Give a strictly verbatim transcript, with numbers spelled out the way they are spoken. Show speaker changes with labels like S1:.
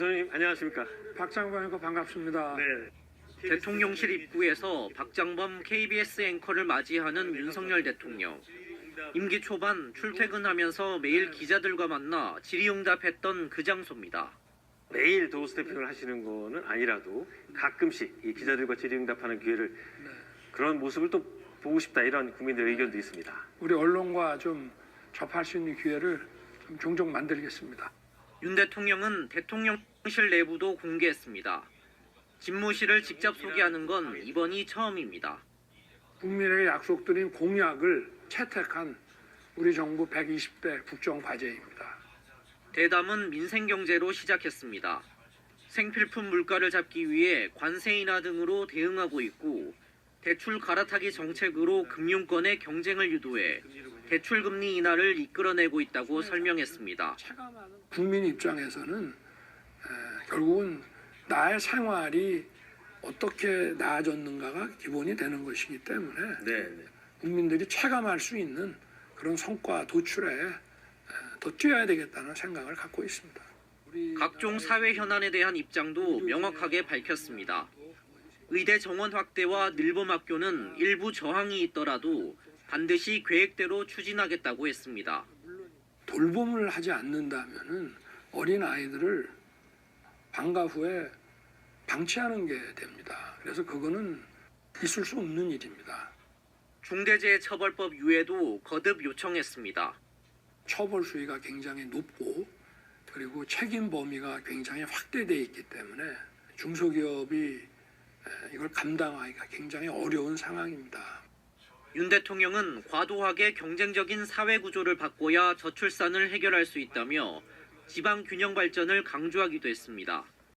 S1: 선생님 안녕하십니까?
S2: 박장범이고 반갑습니다.
S1: 네.
S3: 대통령실 입구에서 박장범 케이비에스 앵커를 맞이하는 윤석열 대통령. 임기 초반 출퇴근하면서 매일 기자들과 만나 질의응답했던 그 장소입니다.
S1: 매일 도어 스태핑을 하시는 거는 아니라도 가끔씩 이 기자들과 질의응답하는 기회를 그런 모습을 또 보고 싶다 이런 국민들의 의견도 있습니다.
S2: 우리 언론과 좀 접할 수 있는 기회를 좀 종종 만들겠습니다.
S3: 윤 대통령은 대통령실 내부도 공개했습니다. 집무실을 직접 소개하는 건 이번이 처음입니다.
S2: 국민에게 약속드린 공약을 채택한 우리 정부 백이십 대 국정과제입니다.
S3: 대담은 민생경제로 시작했습니다. 생필품 물가를 잡기 위해 관세 인하 등으로 대응하고 있고 대출 갈아타기 정책으로 금융권의 경쟁을 유도해 대출 금리 인하를 이끌어내고 있다고 설명했습니다.
S2: 국민 입장에서는 에, 결국은 나의 생활이 어떻게 나아졌는가가 기본이 되는 것이기 때문에
S1: 네. 네.
S2: 국민들이 체감할 수 있는 그런 성과 도출에 에, 더 뛰어야 되겠다는 생각을 갖고 있습니다. 우리
S3: 각종 사회 현안에 대한 입장도 명확하게 밝혔습니다. 의대 정원 확대와 늘봄학교는 일부 저항이 있더라도 반드시 계획대로 추진하겠다고 했습니다.
S2: 돌봄을 하지 않는다면은 어린 아이들을 방과 후에 방치하는 게 됩니다. 그래서 그거는 있을 수 없는 일입니다.
S3: 중대재해처벌법 유예도 거듭 요청했습니다.
S2: 처벌 수위가 굉장히 높고 그리고 책임 범위가 굉장히 확대되어 있기 때문에 중소기업이 이걸 감당하기가 굉장히 어려운 상황입니다.
S3: 윤 대통령은 과도하게 경쟁적인 사회 구조를 바꿔야 저출산을 해결할 수 있다며 지방 균형 발전을 강조하기도 했습니다.